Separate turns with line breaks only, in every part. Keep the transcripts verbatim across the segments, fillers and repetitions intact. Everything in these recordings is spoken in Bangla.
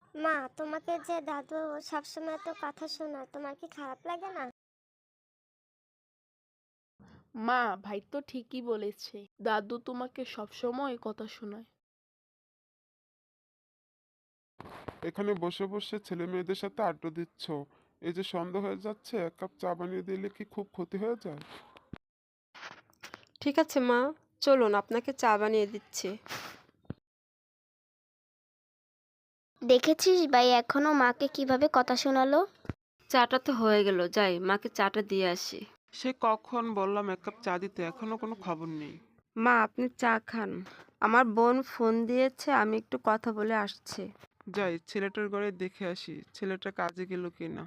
মা, তোমাকে যে দাদু সবসময় এত কথা শোনায়, তোমার কি খারাপ লাগে না?
মা, ভাই তো ঠিকই বলেছে। দাদু তোমাকে সবসময় কথা শোনায়।
এখানে বসে বসে ছেলে মেয়েদের সাথে আড্ডা দিচ্ছ, এই যে সন্ধ্যা হয়ে যাচ্ছে, এক কাপ চা বানিয়ে দিলে কি খুব ক্ষতি হয়ে যায়?
ঠিক আছে মা, চলুন আপনাকে চা বানিয়ে দিচ্ছি।
দেখেছিস ভাই এখনো মাকে কিভাবে কথা শোনালো?
চাটা তো হয়ে গেল, যাই মাকে চাটা দিয়ে আসি।
সে কখন বললাম এক কাপ চা দিতে, এখনো কোনো খবর নেই।
মা আপনি চা খান, আমার বোন ফোন দিয়েছে, আমি একটু কথা বলে আসছি।
যাই ছেলেটার ঘরে দেখে আসি, ছেলেটা কাজে গেল কিনা।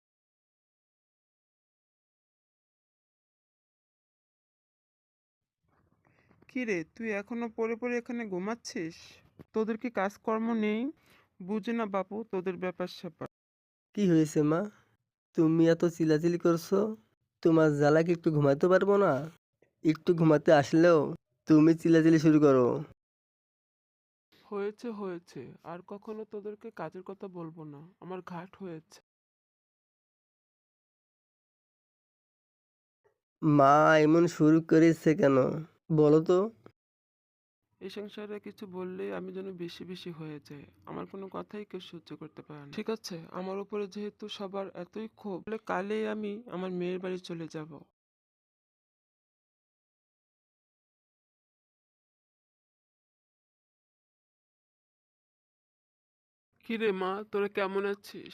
কি রে, তুই এখনো পড়ে পড়ে এখানে ঘুমাচ্ছিস? তোদের কি কাজকর্ম নেই? বুঝি না বাপু তোদের ব্যাপার স্যাপার।
কি হয়েছে মা? তুমি এত চিল্লাচিল্লি করছো? তোমার জ্বালা কি একটু ঘুমাতে পারবো না? একটু ঘুমাতে আসলেও তুমি চিল্লাচিল্লি শুরু করো।
হয়েছে হয়েছে, আর কখনো তোদেরকে কাজের কথা বলবো না, আমার ঘাট হয়েছে।
মা এমন শুরু করেছে কেন? বলো তো।
এই সংসারে কিছু বললেই আমি যেন বেশি বেশি হয়ে যায়, আমার কোনো কথাই কেউ সহ্য করতে পারে না। ঠিক আছে, আমার উপরে যেহেতু সবার এতই ক্ষোভ, তাহলে কালই আমি আমার মেয়ের বাড়ি চলে যাব। কিরে মা, তোরা কেমন আছিস?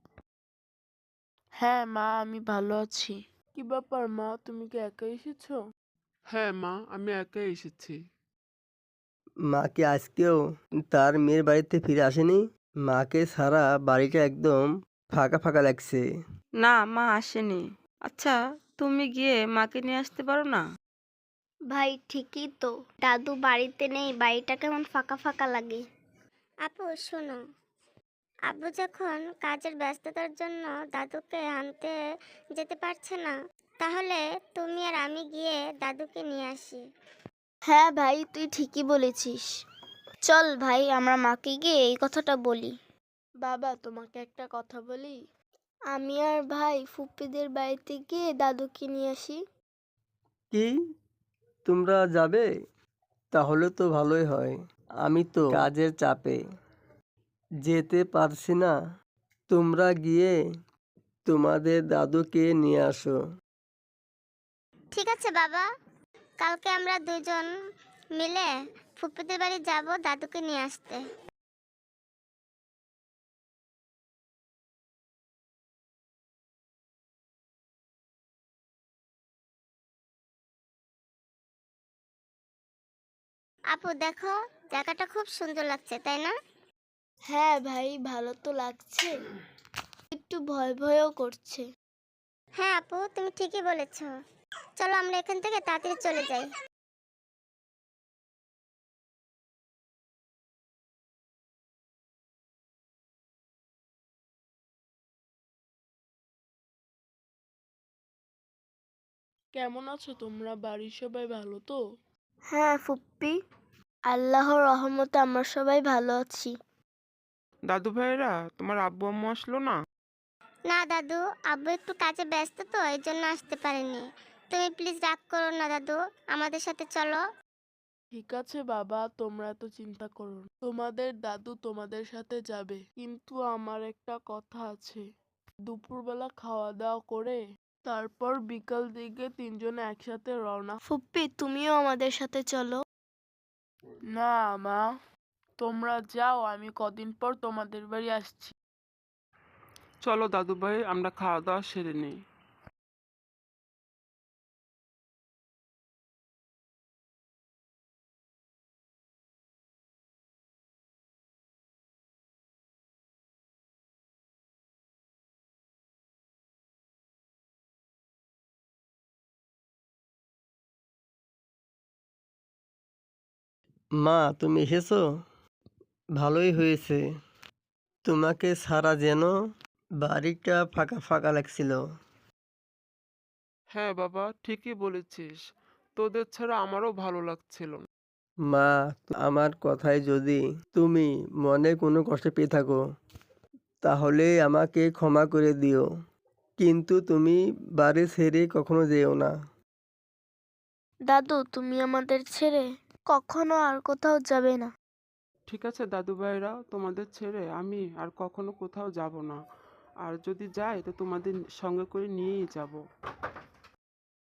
হ্যাঁ মা, আমি ভালো আছি। কি ব্যাপার মা, তুমি কি একা এসেছো?
হ্যাঁ মা, আমি একাই এসেছি।
মা কি আজকেও তার মেয়ের বাড়িতে ফিরে আসেনি? মাকে ছাড়া বাড়িটা একদম ফাঁকা ফাঁকা লাগছে।
না, মা আসেনি। আচ্ছা, তুমি গিয়ে মাকে নিয়ে আসতে পারো না?
ভাই ঠিকই তো, দাদু বাড়িতে নেই, বাড়িটা কেমন ফাঁকা ফাঁকা লাগে। আপু শোনো, আব্বু যখন কাজের ব্যস্ততার জন্য দাদুকে আনতে যেতে পারছে না, তাহলে তুমি আর আমি গিয়ে দাদুকে নিয়ে আসি। হ্যাঁ ভাই, তুই ঠিকই বলেছিস। চল ভাই, আমরা মাকে গিয়ে এই কথাটা বলি।
বাবা, তোমাকে একটা কথা বলি।
আমি আর ভাই ফুপ্পিদের বাড়িতে গিয়ে দাদুকে নিয়ে আসি।
কি? তোমরা যাবে? তাহলে তো ভালোই হয়। আমি তো কাজের চাপে যেতে পারছি না। তোমরা গিয়ে তোমাদের দাদুকে নিয়ে আসো।
ঠিক আছে বাবা, কালকে আমরা দুজন মিলে ফুপ্পিদের বাড়ি যাব দাদুকে নিয়ে আসতে। আপু দেখো, জায়গাটা খুব সুন্দর লাগছে তাই না? হ্যাঁ ভাই, ভালো তো লাগছে, একটু ভয় ভয়ও করছে। হ্যাঁ আপু, তুমি ঠিকই বলেছো। চলো আমরা এখান থেকে তাড়াতাড়ি চলে যাই।
কেমন আছো তোমরা? বাড়ির সবাই ভালো তো?
হ্যাঁ ফুপ্পি, আল্লাহর রহমতে আমরা সবাই ভালো আছি।
দাদু ভাইরা, তোমার আব্বু আম্মু আসলো না?
না দাদু, আব্বু একটু কাজে ব্যস্ত তো, এই জন্য আসতে পারেনি। তুমি প্লিজ রাগ করো না দাদু, আমাদের সাথে চলো।
ঠিক আছে বাবা, তোমরা তো চিন্তা করো না। তোমাদের দাদু তোমাদের সাথে যাবে, কিন্তু আমার একটা কথা আছে। দুপুরবেলা খাওয়া দাওয়া করে তারপর বিকাল দিকে তিনজনে একসাথে রওনা।
ফুপ্পি তুমিও আমাদের সাথে চলো।
না মা, তোমরা যাও, আমি কদিন পর তোমাদের বাড়ি আসছি।
চলো দাদু ভাই, আমরা খাওয়া দাওয়া সেরে নিই।
মা তুমি এসেছো? ভালোই হয়েছে। তোমাকে ছাড়া যেন বাড়িটা ফাঁকা ফাঁকা লাগছিল।
হ্যাঁ বাবা, ঠিকই বলেছিস, তোদের ছাড়া আমারও ভালো লাগছিল না।
মা, আমার কথায় যদি তুমি মনে কোনো কষ্ট পেয়ে থাকো, তাহলে আমাকে ক্ষমা করে দিও, কিন্তু তুমি বাড়ি ছেড়ে কখনো যেও না।
দাদু, তুমি আমাদের ছেড়ে কখনো আর কোথাও যাবে না।
ঠিক আছে দাদু ভাইরা, তোমাদের ছেড়ে আমি আর কখনো কোথাও যাব না। আর যদি যাই তো তোমাদের সঙ্গে করে নিয়েই যাব।